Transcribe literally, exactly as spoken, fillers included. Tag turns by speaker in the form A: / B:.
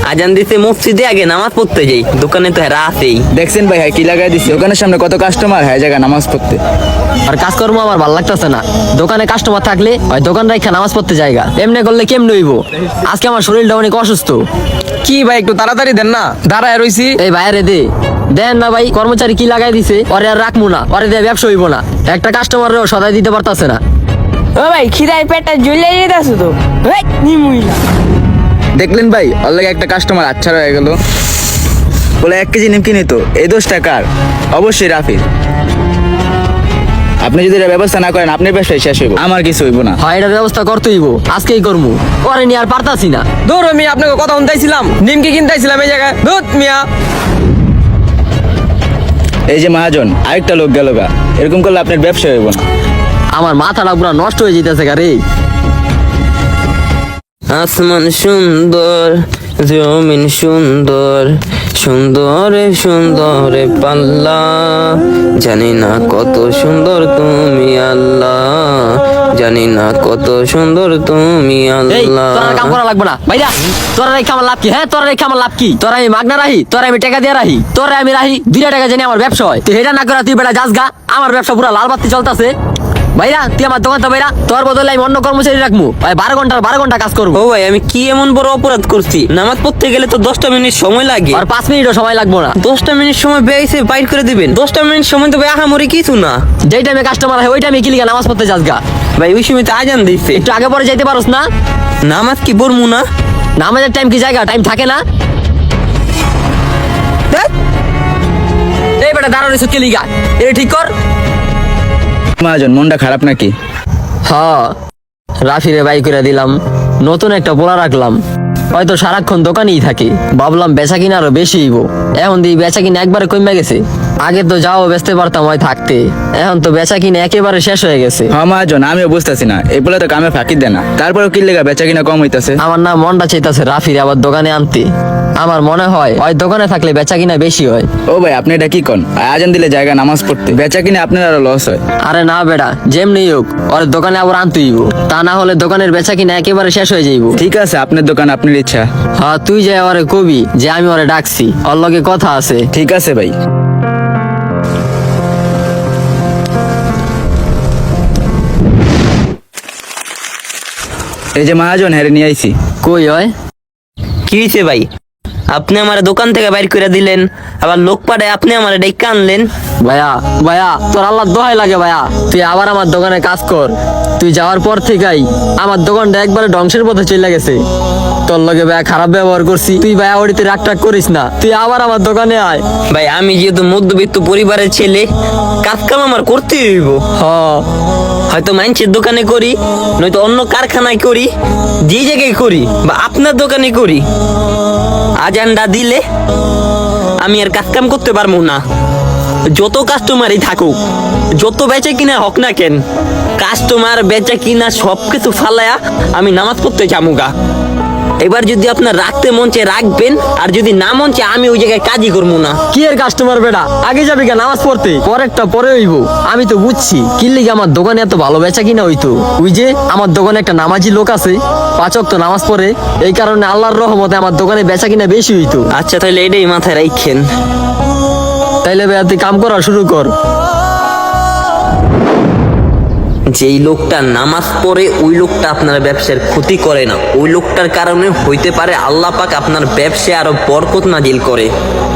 A: আজান দিতে মসজিদে আগে নামাজ পড়তে যাই, দোকানে তো হেরা আছেই।
B: দেখছেন ভাই হ্যাঁ কি লাগাই দিছে, দোকানের সামনে কত কাস্টমার হ্যাঁ জায়গা নামাজ পড়তে।
C: আর কাজকর্ম আমার ভালো লাগতেছে না, দোকানে কাস্টমার থাকলে ওই দোকান রাখা নামাজ পড়তে জায়গা, এমনি করলে কেমনে হইব? আজকে আমার শরীরটা অনেক অসুস্থ।
D: কি ভাই একটু তাড়াতাড়ি দেন না, দাঁড়ায় রইছি।
C: এই বাইরে দে দেন না ভাই, কর্মচারী কি লাগাই দিছে, ওরে আর রাখবো না, ওরে দিয়ে ব্যবসা হইব না। একটা কাস্টমারও সদাই দিতে পারতাছে না।
E: ও ভাই খিদায় পেটটা জ্বলে যেতেছে তো, ভাই নিমুইলা।
B: দেখলেন ভাই ওর লাগে একটা কাস্টমার আচ্ছা হয়ে গেল, বলে এক কেজি নিমকি নিত, এই দোষ টাকার অবশ্যই রাফির। আপনি যদি এটা ব্যবস্থা না করেন আপনার ব্যবসায় শেষ হইব, আমার কিছু হইব না।
C: হয় এটার ব্যবস্থা করতে হইব, আজকেই করবো, পরে নিয়ে আর পারতাছি না।
D: দূর আমি আপনাকে কথা শুনতেছিলাম, নিমকি কিনতেছিলাম এই জায়গায়, দুধ মিয়া।
B: এই যে মহাজন আরেকটা লোক গেল গা, এরকম করলে আপনার ব্যবসা হইব না।
C: আমার মাথাটা পুরো নষ্ট হয়ে যেতেছে গারে।
A: আসমান সুন্দর, জমিন সুন্দর, সুন্দরে সুন্দরে পাল্লা, জানি না কত সুন্দর তুমি আল্লাহ, জানি না কত সুন্দর তুমি
C: এই
A: আল্লাহ।
C: তোরা কাম করা লাগবে না ভাইয়া, তোরা রেখে আমার লাভ কি? হ্যাঁ তোরা রেখে আমার লাভ কি? তোরা আমি মাগনা রাহি, তোরা আমি টাকা দিয়ে রাহি, তোরা আমি রাহি দুইটা টাকা জানি আমার ব্যবসা হয়। তুই এটা না করে তুই বেটা যাস গা, আমার ব্যবসা পুরো লাল বাতি চলতেছে। ভাইরা তুই আমার দোকান তো ভাইরা, তোর বদলে আমি অন্য কর্মচারী রাখবো, ভাই বারো ঘন্টার বারো ঘন্টা কাজ করবো।
A: ও ভাই আমি কি এমন বড় অপরাধ করছি? নামাজ পড়তে গেলে তো দশটা মিনিট সময় লাগে,
C: আর পাঁচ মিনিটও সময় লাগবো না।
A: দশটা মিনিট সময় বেয়েছে বাইর করে দিবেন? দশটা মিনিট সময় তো ভাই আহামরি কিছু না।
C: যেই টাইমে কাস্টমার হয় ওই টাইমে কি লিগা নামাজ পড়তে যাস গা?
A: ভাই ওই সময় তো আজান দিচ্ছে,
C: একটু আগে পরে যাইতে পারোস না?
A: নামাজ কি পড়মু না?
C: নামাজের টাইম কি জায়গা টাইম থাকে না? ধ্যাৎ। এই বেটা দাঁড়ানো রইছিস কি লিগা? এটা ঠিক কর।
B: মহাজন মনটা খারাপ নাকি?
C: হ্যাঁ রাফিরে বাই করে দিলাম, নতুন একটা পোলা রাখলাম, হয়তো সারাক্ষণ দোকানেই থাকে। ভাবলাম বেচা কিনা আরো বেশি হইব, এখন দিয়ে বেচা কিনা একবারে কমে গেছে। আগে তো যাও বেচতে পারতাম হয় থাকতে, এখন তো বেচা কিনা একেবারে শেষ হয়ে গেছে।
B: হ্যাঁ মহাজন আমিও বুঝতেছি না, এই বলে তো কামে ফাঁকি দেয় না, তারপরেও কি লেগা বেচা কিনা কম হইতাছে।
C: আমার না মনটা চাইতাছে রাফিরে আবার দোকানে আনতে। আমার মনে হয় ওই দোকানে থাকলে বেচা কিনা বেশি হয়।
B: ও ভাই আপনি এটা কি কন? আজান দিলে জায়গা নামাজ পড়তে, বেচা কিনা আপনার আরো লস হয়।
C: আরে না বেটা, যেমনি হোক ওর দোকানে আবার আনতে হইব, তা না হলে দোকানের বেচা কিনা একেবারে শেষ হয়ে যাইব।
B: ঠিক আছে আপনার দোকান আপনার ইচ্ছা।
C: হ্যাঁ তুই যে ওরে কবি যে আমি ওরে ডাকছি, ওর লগে কথা আছে।
B: ঠিক আছে ভাই। এই যে মহাজন হেরে নিয়ে আইছি।
C: কই হয়?
A: কি হয়েছে ভাই? আপনি আমার দোকান থেকে বাইর করে দিলেন, আবার লোক পাঠায় আপনি আমার ডেকে আনলেন।
C: ভাইয়া ভাইয়া তোর আল্লাহ দোহাই লাগে ভাইয়া, তুই আবার আমার দোকানে কাজ কর। তুই যাওয়ার পর থেকেই আমার দোকানটা একবারে ধ্বংসের পথে চলে গেছে। তোর লগে ভাইয়া খারাপ ব্যবহার করছি, তুই ভাইয়া ওড়িতে রাগ টাগ করিস না, তুই আবার আমার দোকানে আয়।
A: ভাই আমি যেহেতু মধ্যবিত্ত পরিবারের ছেলে, কাজ কাম আমার করতে হইব।
C: হ
A: হয়তো মাইন্সের দোকানে করি, নয়তো অন্য কারখানায় করি, যে জায়গায় করি বা আপনার দোকানে করি, আজানটা দিলে আমি আর কাজ কাম করতে পারবো না। যত কাস্টমারই থাকুক, যত বেচা কিনা হোক না কেন, কাস্টমার বেচা কিনা সব কিছু ফালায়া আমি নামাজ পড়তে যামুগা। এবার যদি আপনার রাখতে মন চায় রাখবেন, আর যদি না মন চায় আমি ওই জায়গায় কাজই করবো না।
C: কি এর কাস্টমার বেটা, আগে যাবি কেন নামাজ পড়তে? পরেরটা পরে হইব। আমি তো বুঝছি কি লিগে আমার দোকানে এত ভালো বেচা কিনা হইতো। ওই যে আমার দোকানে একটা নামাজি লোক আছে, পাঁচ ওয়াক্ত নামাজ পড়ে, এই কারণে আল্লাহর রহমতে আমার দোকানে বেচা কিনা বেশি হইতো।
A: আচ্ছা তাহলে এটাই মাথায় রাখেন।
C: তাইলে ভাইয়া তুই কাম করা শুরু কর।
A: যেই লোকটা নামাজ পড়ে ওই লোকটা আপনার ব্যবসার ক্ষতি করে না, ওই লোকটার কারণে হইতে পারে আল্লাহ পাক আপনার ব্যবসায় আরো বরকত নাজিল করে।